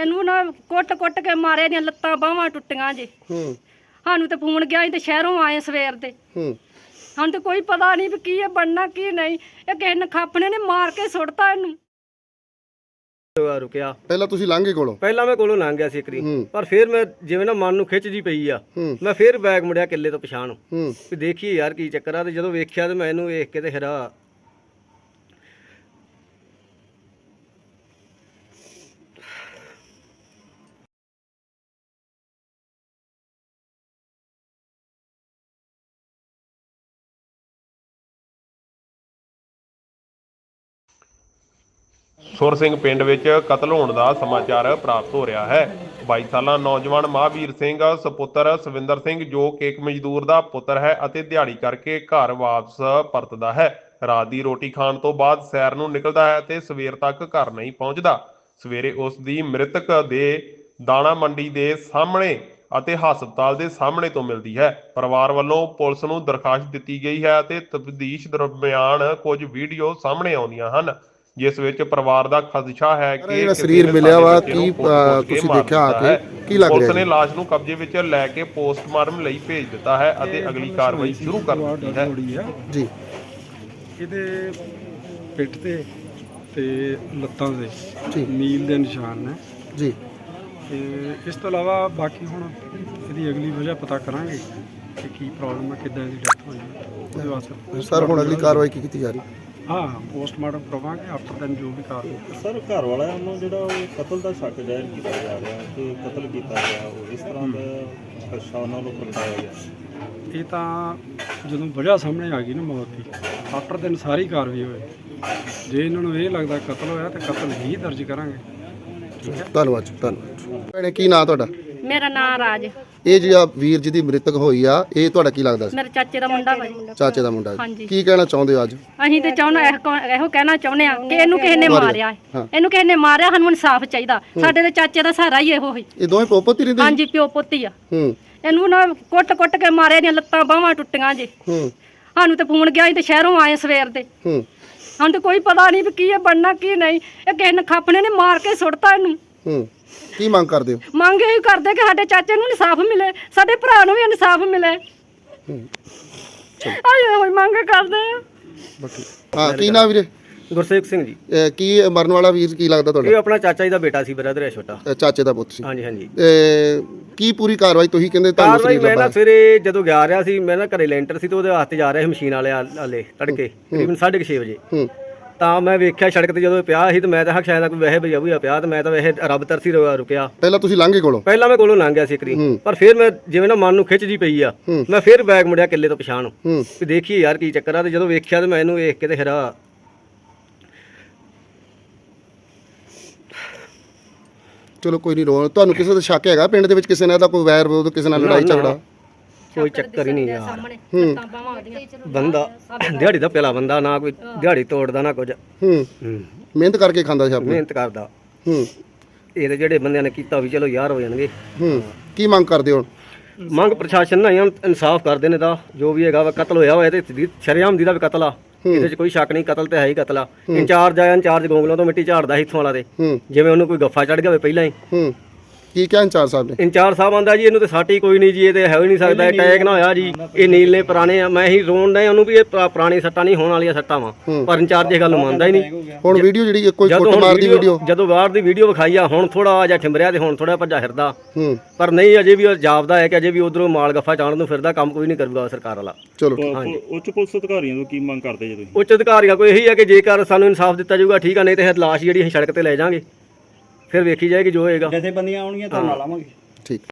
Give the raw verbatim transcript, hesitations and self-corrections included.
ਇਹਨੂੰ ਨਾ ਕੁੱਟ ਕੁੱਟ ਕੇ ਮਾਰਿਆ, ਦੀਆਂ ਲੱਤਾਂ ਬਾਹਾਂ ਟੁੱਟੀਆਂ ਜੇ। ਹੂੰ ਸਾਨੂੰ ਤੇ ਫੋਨ ਗਿਆ, ਅਸੀਂ ਤੇ ਸ਼ਹਿਰੋਂ ਆਏ ਸਵੇਰ ਦੇ। ਹੂੰ ਸਾਨੂੰ ਤੇ ਕੋਈ ਪਤਾ ਨਹੀਂ ਵੀ ਕੀ ਇਹ ਬਣਨਾ ਕੀ ਨਹੀਂ। ਇਹ ਕਿਸੇ ਨਖਾਪਣੇ ਨੇ ਮਾਰ ਕੇ ਸੁੱਟਤਾ ਇਹਨੂੰ। ਰੁਕਿਆ ਪਹਿਲਾਂ ਤੁਸੀਂ ਲਾਂਘੇ ਕੋਲੋਂ ਪਹਿਲਾਂ ਮੈਂ ਕੋਲੋਂ ਲੰਘ ਗਿਆ ਸੀ ਇੱਕਰੀ, ਪਰ ਫਿਰ ਮੈਂ ਜਿਵੇਂ ਨਾ ਮਨ ਨੂੰ ਖਿੱਚ ਜੀ ਪਈ ਆ, ਮੈਂ ਫਿਰ ਬੈਗ ਮੁੜਿਆ ਕਿੱਲੇ ਤੋਂ ਪਛਾਣ ਵੀ ਦੇਖੀਏ ਯਾਰ ਕੀ ਚੱਕਰ ਆ। ਤੇ ਜਦੋਂ ਵੇਖਿਆ ਤੇ ਮੈਂ ਇਹਨੂੰ ਵੇਖ ਕੇ ਤੇ ਹੈਰਾ ਸੁਰ ਸਿੰਘ ਪਿੰਡ ਵਿੱਚ ਕਤਲ ਹੋਣ ਦਾ ਸਮਾਚਾਰ ਪ੍ਰਾਪਤ ਹੋ ਰਿਹਾ ਹੈ। ਬਾਈ ਸਾਲਾ ਨੌਜਵਾਨ ਮਹਾਂਵੀਰ ਸਿੰਘ ਸੁਪੁੱਤਰ ਸਵਿੰਦਰ ਸਿੰਘ ਜੋ ਕਿ ਇੱਕ ਮਜ਼ਦੂਰ ਦਾ ਪੁੱਤਰ ਹੈ ਅਤੇ ਦਿਹਾੜੀ ਕਰਕੇ ਘਰ ਵਾਪਸ ਪਰਤਦਾ ਹੈ। ਰਾਤ ਦੀ ਰੋਟੀ ਖਾਣ ਤੋਂ ਬਾਅਦ ਸੈਰ ਨੂੰ ਨਿਕਲਦਾ ਹੈ ਤੇ ਸਵੇਰ ਤੱਕ ਘਰ ਨਹੀਂ ਪਹੁੰਚਦਾ। ਸਵੇਰੇ ਉਸ ਦੀ ਮ੍ਰਿਤਕ ਦੇ ਦਾਣਾ ਮੰਡੀ ਦੇ ਸਾਹਮਣੇ ਅਤੇ ਹਸਪਤਾਲ ਦੇ ਸਾਹਮਣੇ ਤੋਂ ਮਿਲਦੀ ਹੈ। ਪਰਿਵਾਰ ਵੱਲੋਂ ਪੁਲਿਸ ਨੂੰ ਦਰਖਾਸਤ ਦਿੱਤੀ ਗਈ ਹੈ ਅਤੇ ਤਫਤੀਸ਼ ਦਰਮਿਆਨ ਕੁਝ ਵੀਡੀਓ ਸਾਹਮਣੇ ਆਉਂਦੀਆਂ ਹਨ ਜਿਸ ਵਿੱਚ ਪਰਿਵਾਰ ਦਾ ਖਦਸ਼ਾ ਹੈ ਕਿ ਜਿਹੜਾ ਸਰੀਰ ਮਿਲਿਆ ਵਾ ਕੀ ਤੁਸੀਂ ਦੇਖਿਆ ਆ ਕੇ ਕੀ ਲੱਗ ਰਿਹਾ? ਪੁਲਿਸ ਨੇ ਲਾਸ਼ ਨੂੰ ਕਬਜ਼ੇ ਵਿੱਚ ਲੈ ਕੇ ਪੋਸਟਮਾਰਟਮ ਲਈ ਭੇਜ ਦਿੱਤਾ ਹੈ ਅਤੇ ਅਗਲੀ ਕਾਰਵਾਈ ਸ਼ੁਰੂ ਕਰ ਦਿੱਤੀ ਹੈ ਜੀ। ਇਹਦੇ ਪਿੱਠ ਤੇ ਤੇ ਲੱਤਾਂ ਦੇ ਨੀਲ ਦੇ ਨਿਸ਼ਾਨ ਨੇ ਜੀ। ਤੇ ਇਸ ਤੋਂ ਇਲਾਵਾ ਬਾਕੀ ਹੁਣ ਇਹਦੀ ਅਗਲੀ ਵਜ੍ਹਾ ਪਤਾ ਕਰਾਂਗੇ ਕਿ ਕੀ ਪ੍ਰੋਬਲਮ ਹੈ, ਕਿੱਦਾਂ ਇਹਦੀ ਡੈਥ ਹੋਈ ਉਹਦੇ ਵਾਸਤੇ। ਸਰ ਹੁਣ ਅਗਲੀ ਕਾਰਵਾਈ ਕੀ ਕੀਤੀ ਜਾ ਰਹੀ? ਹਾਂ ਪੋਸਟਮਾਰਟਮ ਕਰਵਾਵਾਂਗੇ ਆਫਟਰ ਦੈਨ ਜੋ ਵੀ ਕਾਰਵਾਈ। ਸਰ ਘਰ ਵਾਲਿਆਂ ਨੂੰ ਜਿਹੜਾ ਉਹ ਕਤਲ ਦਾ ਸ਼ੱਕ ਜ਼ਾਹਿਰ ਕੀਤਾ ਜਾ ਰਿਹਾ ਕਿ ਕਤਲ ਕੀਤਾ ਗਿਆ, ਉਹ ਇਸ ਤਰ੍ਹਾਂ ਦਾ ਖਦਸ਼ਾ ਉਹਨਾਂ ਨੂੰ ਪ੍ਰਗਟਾਇਆ ਗਿਆ। ਇਹ ਤਾਂ ਜਦੋਂ ਵਜ੍ਹਾ ਸਾਹਮਣੇ ਆ ਗਈ ਨਾ ਮੌਤ ਦੀ, ਆਫਟਰ ਦੈਨ ਸਾਰੀ ਕਾਰਵਾਈ ਹੋਏ। ਜੇ ਇਹਨਾਂ ਨੂੰ ਇਹ ਲੱਗਦਾ ਕਤਲ ਹੋਇਆ ਤਾਂ ਕਤਲ ਹੀ ਦਰਜ ਕਰਾਂਗੇ। ਠੀਕ ਹੈ, ਧੰਨਵਾਦ ਜੀ, ਧੰਨਵਾਦ। ਭੈਣੇ ਕੀ ਨਾਂ ਤੁਹਾਡਾ? ਮੇਰਾ ਨਾਂ ਰਾਜ। ਇਹ ਜਿਹੜਾ ਵੀਰ ਜੀ ਦੀ ਮ੍ਰਿਤਕ ਹੋਈ ਆ, ਇਹ ਤੁਹਾਡਾ ਕੀ ਲੱਗਦਾ ਸੀ? ਮੇਰੇ ਚਾਚੇ ਦਾ ਮੁੰਡਾ ਵਾ ਜੀ। ਚਾਚੇ ਦਾ ਮੁੰਡਾ। ਹਾਂਜੀ। ਕੀ ਕਹਿਣਾ ਚਾਹੁੰਦੇ ਹੋ ਅੱਜ? ਅਸੀਂ ਤੇ ਚਾਹੁੰਦੇ ਇਹੋ ਕਹਿਣਾ ਚਾਹੁੰਦੇ ਆ ਕਿ ਇਹਨੂੰ ਕਿਸੇ ਨੇ ਮਾਰਿਆ ਹੈ। ਇਹਨੂੰ ਕਿਸੇ ਨੇ ਮਾਰਿਆ, ਸਾਨੂੰ ਇਨਸਾਫ ਚਾਹੀਦਾ। ਸਾਡੇ ਦੇ ਚਾਚੇ ਦਾ ਸਹਾਰਾ ਹੀ ਇਹੋ ਹੀ। ਇਹ ਦੋਵੇਂ ਪੋਪੋ ਹੀ ਰਹਿੰਦੇ? ਹਾਂਜੀ, ਪਿਓ ਪੁੱਤੀ ਆ। ਹੂੰ ਇਹਨੂੰ ਨਾ ਕੁੱਟ ਕੁੱਟ ਕੇ ਮਾਰਿਆ, ਦੀਆਂ ਲੱਤਾਂ ਬਾਹਾਂ ਟੁੱਟੀਆਂ ਜੇ। ਹੂੰ ਸਾਨੂੰ ਤੇ ਫੋਨ ਗਿਆ, ਅਸੀਂ ਤੇ ਸ਼ਹਿਰੋਂ ਆਏ ਸਵੇਰ ਦੇ। ਹੂੰ ਸਾਨੂੰ ਤੇ ਕੋਈ ਪਤਾ ਨਹੀਂ ਵੀ ਕੀ ਇਹ ਬਣਨਾ ਕੀ ਨਹੀਂ। ਇਹ ਕਿਸੇ ਨਖਾਪਣੇ ਨੇ ਮਾਰ ਕੇ ਸੁੱਟਤਾ ਇਹਨੂੰ। ਹੂੰ ਕੀ ਮੰਗ ਕਰਦੇ ਹੋ? ਮੰਗ ਇਹ ਕਰਦੇ ਕਿ ਸਾਡੇ ਚਾਚੇ ਨੂੰ ਇਨਸਾਫ ਮਿਲੇ, ਸਾਡੇ ਭਰਾ ਨੂੰ ਵੀ ਇਨਸਾਫ ਮਿਲੇ। ਆਏ ਹੋਈ ਮੰਗ ਕਰਦੇ ਆ। ਹਾਂ ਕੀ ਨਾਂ ਵੀਰੇ? ਗੁਰਸੇਵਕ ਸਿੰਘ ਜੀ। ਇਹ ਕੀ ਮਰਨ ਵਾਲਾ ਵੀਰ ਕੀ ਲੱਗਦਾ ਇਹ ਤੁਹਾਡਾ? ਆਪਣਾ ਚਾਚਾ ਜੀ ਦਾ ਬੇਟਾ ਸੀ, ਬ੍ਰਦਰ ਹੈ ਛੋਟਾ। ਇਹ ਚਾਚੇ ਦਾ ਪੁੱਤ ਸੀ। ਹਾਂਜੀ ਹਾਂਜੀ। ਇਹ ਕੀ ਪੂਰੀ ਕਾਰਵਾਈ ਤੁਸੀਂ ਕਹਿੰਦੇ ਤੁਹਾਨੂੰ ਕਾਰਵਾਈ ਸਰੀਰ ਮੈਂ ਨਾ ਲੱਭਾ? ਸਵੇਰੇ ਜਦੋਂ ਗਿਆ ਰਿਹਾ ਸੀ, ਮੈਂ ਨਾ ਘਰੇ ਲੈਂਟਰ ਸੀ ਤੇ ਉਹਦੇ ਵਾਸਤੇ ਜਾ ਰਿਹਾ ਸੀ ਮਸ਼ੀਨ ਵਾਲੇ ਵਾਲੇ ਤੜਕੇ ਤਕਰੀਬਨ ਸਾਢੇ ਕੁ ਛੇ ਵਜੇ। ਹੂੰ ਤਾਂ ਮੈਂ ਵੇਖਿਆ ਸੜਕ ਤੇ ਜਦੋਂ ਪਿਆ ਸੀ ਤੇ ਮੈਂ ਤਾਂ ਹੱਕ ਸ਼ਾਇਦ ਕੋਈ ਵੈਸੇ ਭਈਆ ਭਈਆ ਪਿਆ ਤੇ ਮੈਂ ਤਾਂ ਵੈਸੇ ਰੱਬ ਤਰਸੀ ਰੁਕਿਆ। ਪਹਿਲਾਂ ਤੁਸੀਂ ਲਾਂਘੇ ਕੋਲੋਂ? ਪਹਿਲਾਂ ਮੈਂ ਕੋਲੋਂ ਲੰਘ ਗਿਆ ਸੀ ਇੱਕਰੀ, ਪਰ ਫਿਰ ਮੈਂ ਜਿਵੇਂ ਨਾ ਮਨ ਨੂੰ ਖਿੱਚ ਜੀ ਪਈ ਆ, ਮੈਂ ਫਿਰ ਬੈਗ ਮੁੜਿਆ ਕਿੱਲੇ ਤੋਂ ਪਛਾਣ ਵੀ ਦੇਖੀਏ ਯਾਰ ਕੀ ਚੱਕਰ ਆ। ਤੇ ਜਦੋਂ ਵੇਖਿਆ ਤੇ ਮੈਂ ਇਹਨੂੰ ਵੇਖ ਕੇ ਤੇ ਹੈਰਾ ਚਲੋ ਕੋਈ ਨਹੀਂ ਰੋ। ਤੁਹਾਨੂੰ ਕਿਸੇ ਦਾ ਸ਼ੱਕ ਹੈਗਾ ਪਿੰਡ ਦੇ ਵਿੱਚ ਕਿਸੇ ਨਾਲ ਦਾ ਕੋਈ ਵੈਰ ਵਿਰੋਧ, ਕਿਸੇ ਨਾਲ ਲੜਾਈ ਝਗੜਾ? ਕੋਈ ਚੱਕਰ ਹੀ ਨਹੀਂ ਯਾਰ। ਬੰਦਾ ਦਿਹਾੜੀ ਦਾ ਪਿਆਲਾ ਬੰਦਾ, ਨਾ ਕੋਈ ਦਿਹਾੜੀ ਤੋੜਦਾ ਨਾ ਕੁਝ। ਹੂੰ ਮਿਹਨਤ ਕਰਕੇ ਖਾਂਦਾ ਸੀ ਆਪਣੀ। ਮਿਹਨਤ ਕਰਦਾ। ਹੂੰ ਇਹ ਤੇ ਜਿਹੜੇ ਬੰਦਿਆਂ ਨੇ ਕੀਤਾ ਵੀ ਚਲੋ ਯਾਰ ਹੋ ਜਾਣਗੇ। ਹੂੰ ਕੀ ਮੰਗ ਕਰਦੇ ਹੋ? ਮੰਗ ਪ੍ਰਸ਼ਾਸਨ ਨਾਲ ਇਨਸਾਫ ਕਰਦੇ ਨੇ ਦਾ ਜੋ ਵੀ ਹੈਗਾ ਵਾ। ਕਤਲ ਹੋਇਆ ਹੋਇਆ ਤੇ ਸ਼ਰੇਆਮ ਦੀ ਦਾ ਵੀ ਕਤਲ ਆ, ਇਹਦੇ ਚ ਕੋਈ ਸ਼ੱਕ ਨਹੀਂ। ਕਤਲ ਤੇ ਹੈ ਹੀ ਕਤਲ ਆ। ਇੰਚਾਰਜ ਆਇਆ, ਇੰਚਾਰਜ ਗੋਂਗਲੋਂ ਤੋਂ ਮਿੱਟੀ ਝਾੜਦਾ ਸੀ ਇੱਥੋਂ ਵਾਲਾ ਤੇ ਜਿਵੇਂ ਉਹਨੂੰ ਕੋਈ ਗੱਫਾ ਚੜ ਗਿਆ ਹੋਵੇ ਪਹਿਲਾਂ ਹੀ। ਹੂੰ ਕੀ ਕਿਹਾ ਇੰਚਾਰਜ ਸਾਹਿਬ ਨੇ? ਇੰਚਾਰਜ ਸਾਹਿਬ ਆਂਦਾ ਜੀ ਇਹਨੂੰ ਤੇ ਸਾਟੀ ਕੋਈ ਨਹੀਂ ਜੀ, ਇਹ ਤੇ ਹੈ ਹੀ ਨਹੀਂ ਸਕਦਾ, ਅਟੈਕ ਨਾ ਹੋਇਆ ਜੀ, ਇਹ ਨੀਲ ਨੇ ਪੁਰਾਣੇ ਆ। ਮੈਂ ਹੀ ਰੋਣ ਡਿਆ ਉਹਨੂੰ ਵੀ ਇਹ ਪੁਰਾਣੀ ਸੱਟਾਂ ਨਹੀਂ ਹੋਣ ਵਾਲੀਆਂ ਸੱਟਾਂ ਵਾ, ਪਰ ਇੰਚਾਰਜ ਇਹ ਗੱਲ ਨੂੰ ਮੰਨਦਾ ਹੀ ਨਹੀਂ। ਹੁਣ ਵੀਡੀਓ ਜਿਹੜੀ ਕੋਈ ਫੋਟੋ ਮਾਰਦੀ ਵੀਡੀਓ, ਜਦੋਂ ਬਾਹਰ ਦੀ ਵੀਡੀਓ ਵਿਖਾਈ ਆ, ਹੁਣ ਥੋੜਾ ਜਿਹਾ ਠਿੰਬਰਿਆ ਤੇ ਹੁਣ ਥੋੜਾ ਭੱਜਾ ਫਿਰਦਾ। ਹੂੰ ਪਰ ਨਹੀਂ, ਅਜੇ ਵੀ ਉਹ ਜਾਪਦਾ ਹੈ ਕਿ ਅਜੇ ਵੀ ਉਧਰੋਂ ਮਾਲ ਗੱਫਾ ਚਾਣ ਨੂੰ ਫਿਰਦਾ, ਕੰਮ ਕੋਈ ਨਹੀਂ ਕਰੂਗਾ ਸਰਕਾਰ ਵਾਲਾ। ਚਲੋ ਉੱਚ ਪੁਲਿਸ ਅਧਿਕਾਰੀਆਂ ਤੋਂ ਕੀ ਮੰਗ ਕਰਦੇ ਜੇ ਤੁਸੀਂ? ਉੱਚ ਅਧਿਕਾਰੀਆਂ ਕੋਈ ਇਹੀ ਹੈ ਕਿ ਜੇਕਰ ਸਾਨੂੰ ਇਨਸਾਫ ਦਿੱਤਾ ਜਾਊਗਾ ਠੀਕ ਆ, ਨਹੀਂ ਤੇ ਲਾਸ਼ ਜਿਹੜੀ ਅਸੀਂ ਸੜਕ ਤੇ ਲੈ ਜਾਾਂਗੇ, ਫਿਰ ਵੇਖੀ ਜਾਏਗੀ ਜੋ ਹੋਏਗਾ। ਜਥੇਬੰਦੀਆਂ ਆਉਣਗੀਆਂ ਤਾਂ ਨਾਲ ਆਵਾਂਗੇ। ਠੀਕ।